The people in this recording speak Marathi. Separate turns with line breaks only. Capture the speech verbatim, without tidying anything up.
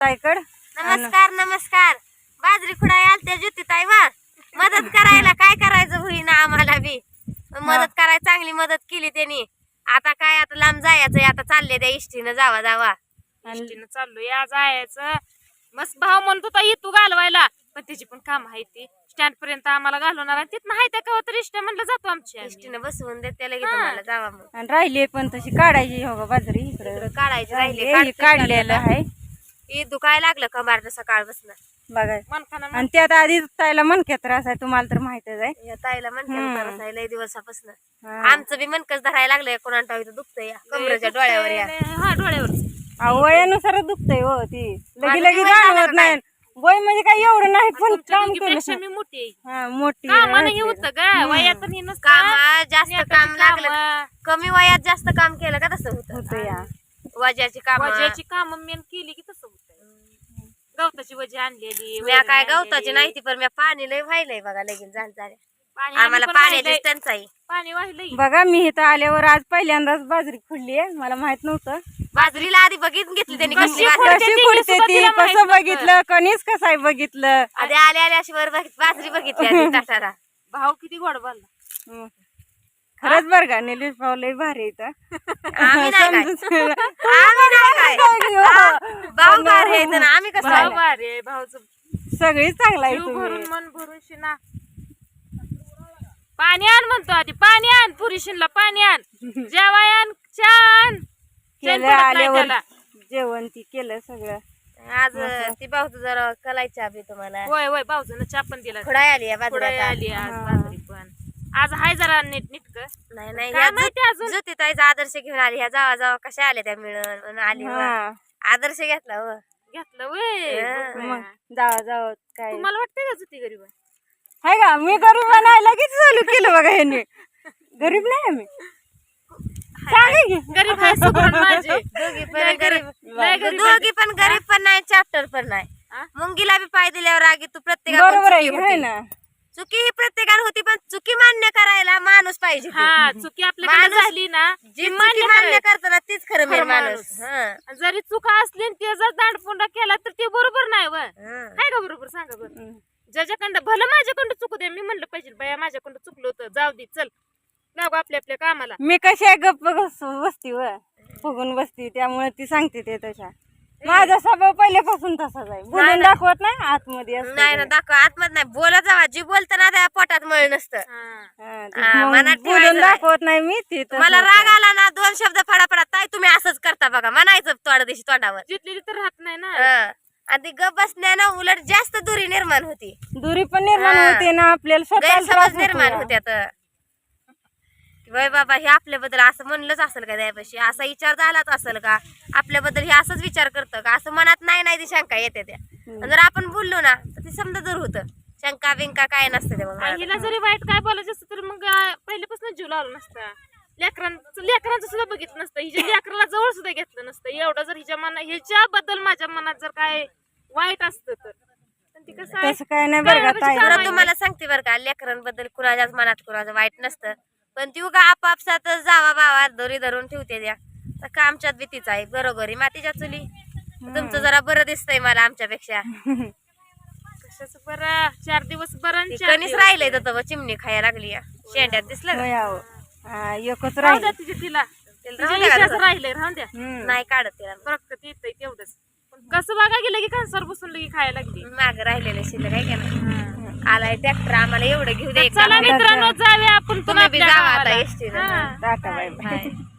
ताईकड.
नमस्कार नमस्कार. बाजरी खुडाय आलत्या ज्योती ताई वा मदत करायला काय करायचं होईना आम्हाला बी मदत करायला चांगली मदत केली त्यांनी. आता काय आता लांब जायचंय आता चालले त्या इष्टीनं जावा जावा
इष्टीनं चाललो या जायचं. मस्त भाव म्हणत होता तू घालवायला पण त्याची पण काम आहे ती स्टँड पर्यंत आम्हाला घालवणार आणि तिथं आहे त्या कवा तर इष्ट म्हणलं जातो आमच्या
इष्टीनं बसवून देत त्याला तुम्हाला जावा मग
आणि राहिली पण तशी काढायची हो बाजरी इकडे
काढायची राहिले
हे काढलेलं आहे.
हे दुखाय लागलं कमार सकाळपासून
बघा
मनखाना
आणि त्यात आधी ताईला मनक्यात त्रास आहे तुम्हाला तर माहितच आहे.
या ताईला म्हणते त्रास लय दिवसापासून
हा.
आमचं बी मनकच धरायला लागलंय कोणाला इथं दुखतंय या कमरेच्या डोळ्यावर या
हा डोळ्यावर
अहो, वयानुसारच दुखतंय हो ती लगी लगी जाणवत नाही. वय म्हणजे काय एवढं नाही पण काम केलं
मी मोठी
हा मोठी
कामानं हे होतं ग वयात हे नसतं.
काम जास्त काम लागलं
कामं,
कमी वयात जास्त काम केलं का तसं होतं
होतं या.
वजाची काम
वजाची काम मेन केली की तसं होतं. गवताची वजी आणलेली
मी काय गवताची नाही ती पण मी पाणी लय व्हायलंय बघा लगीन झालं झालं
पाणी
आम्हाला
पण
पाण्याची
वाहिलंय.
टंचाई
पाणी वाहिलंय
बघा मी इथं आल्यावर आज पहिल्यांदाच बाजरी खुडली आहे. मला माहित नव्हतं
बाजरीला आधी बघितून घेतली त्यांनी
कशी
कसली
खुडते
बाजरी.
कशी
ती
खुडते
सुद्धा
ती
तिला माहित
कसं
नव्हतं.
बघितलं कणीस कसं आहे बघितलं.
आधी आल्या आल्या अशी वर बघित बाजरी बघितली आधी ताटाला
भाव किती गोड बोलला.
हं. खरंच बरं का निलेश भाऊ लय भारी इथं
आम्ही नाही काय आम्ही नाही काय आ, भाऊ भारी आहेत ना आम्ही कसं
भाव
आहे?
भारी भाऊच
सगळी चांगला आहे
जीव
तुम्ही.
भरून मन भरून शिना पाणी आण म्हणतो आधी पाणी आण पुरी शिनला पाणी आण जेवाय आण छान
केलं आल्यावर जेवण ती केलं सगळं.
आज ती भाऊ जरा कलायची आभी तुम्हाला
होय होय भाऊजन चहा पण दिला
खुडाय आली या
पुढे
बाजरी
आली आज बाजरी पण आज हाय जरा नीट नीटक
नाही नाही
काय
ह्या
माहिती अजून?
ज्योती ताईचा आदर्श घेऊन आली ह्या जावा जावा कशा आल्या त्या मिळून म्हणून आली व.
हा
आदर्श घेतला हो
घेतलं वय
हा.
मग जावा जावा काय
तुम्हाला वाटतंय का जुती गरीब आहे?
हाय का मी गरीब नाही लगेच चालू केलं बघा ह्यांनी. गरीब नाही आम्ही सांगा की.
गरीब आहे सुगरण माझे
दोघी पण
लय
गरीब
लय गरीब
दोघी पण गरीब पण नाही चॅप्टर पण नाही
हा?
मुंगीला बी पाय दिल्यावर आगी तू
बरोबर आहे
प्रत्येक
हाय ना.
चुकी ही प्रत्येकाला होती पण चुकी मान्य करायला माणूस पाहिजे ते.
हा चुकी आपल्याकडे
माणूस-
झाली ना
जी चुकी मान्य करताना तीच खरं मेन
खरं
माणूस
माणूस.
हं.
आणि जरी चुका असली आणि ते जर दांडपुंडा केला तर ते बरोबर नाही व
हं.
काय का बरोबर सांगा बरं ज्याच्याकडं भलं माझ्याकडं चुकू दे मी म्हणलं पाहिजे बाया माझ्याकडं चुकलं होतं जाऊ दे चल लागू आपल्या आपल्या कामाला
मी कशी आहे गप्प बस- बसती व फुगून बसती त्यामुळे ती सांगते ते तशा. माझा स्वभाव पहिल्यापासून तसाच आहे बोलून दाखवत नाही आतमध्ये असतं
नाही ना
ते.
दाखव आतमध्ये नाही बोलत जावा जी बोलताना त्या पोटात मळ नसतं
हा.
हा, ते
हा,
मग
मनात
बोलून
ठेवायचं
दाखवत नाही मी ती तसं
मला राग
होतं.
आला ना दोन शब्द फडाफडा ताई तुम्ही असंच करता बघा म्हणायचं तोंड दिशी तोंडावर
जितलेली तर राहत नाही ना
हं. आणि ती गप बसण्यानं उलट जास्त दुरी निर्माण होती
दुरी पण निर्माण
हा.
होते ना आपल्याला स्वतःला त्रास
गैरसमज
होतो
निर्माण
या.
होत्यात वय बाबा हे आपल्याबद्दल असं म्हणलंच असेल का त्यापाशी असा विचार झालाच असेल का आपल्याबद्दल हे असंच विचार करतं का असं मनात नाही नाही ती शंका येते त्या आणि जर आपण बोललो ना तर ती समजा दूर होतं शंका बिंका काय नसते ते मग
आणि हिला जरी वाईट काय बोलायचं असतं तर मग अं, पहिल्यापासून जीव लावला नसता लेकरांचं लेकरांचं सुद्धा बघितलं नसतं हिच्या लेकराला जवळ सुद्धा घेतलं नसतं एवढं जर हिच्या मना ह्याच्याबद्दल माझ्या मनात जर काय वाईट असतं तर पण ती कसं आहे
तसं काय नाही बरं का ताई.
खरं तुम्हाला सांगते बरं का लेकरांबद्दल कुणाच्याच मनात कुणाचं वाईट नसतं पण ती उगा आपापसात जावा बावा दोरी धरून ठेवते त्या तर का आमच्यात भीतीच आहे बरोबरी मातीच्या चुली तुमचं जरा बरं दिसतंय मला आमच्यापेक्षा
कशाचं बरं चार दिवस बरं आणि
ती
चार
कणीच
दिवस
राहिलंय तर चिमणी खायला लागली या. शेंड्यात दिसलं का?
होय अहो. हा, एकच
राहू
राहील
द्या तिच्या तिला
तिला
तिच्या
राहू द्या का
इशाच
तसं?
राहिलंय राहून द्या
हम्म.
नाही काढत तिला
बरं येतंय तेवढंच पण कसं बघा गेलं की खांसर बसून लगी खायला लागली
माग राहिलेलं शिल्लक आहे का ना आलाय ट्रॅक्टर आम्हाला एवढं घेऊ दे
चला मित्रांनो जाऊया आपण
तुम्ही बी
आपल्या
जावा आता
गावाला.
एसटीनं
हा.
Tata bye bye.
बाय.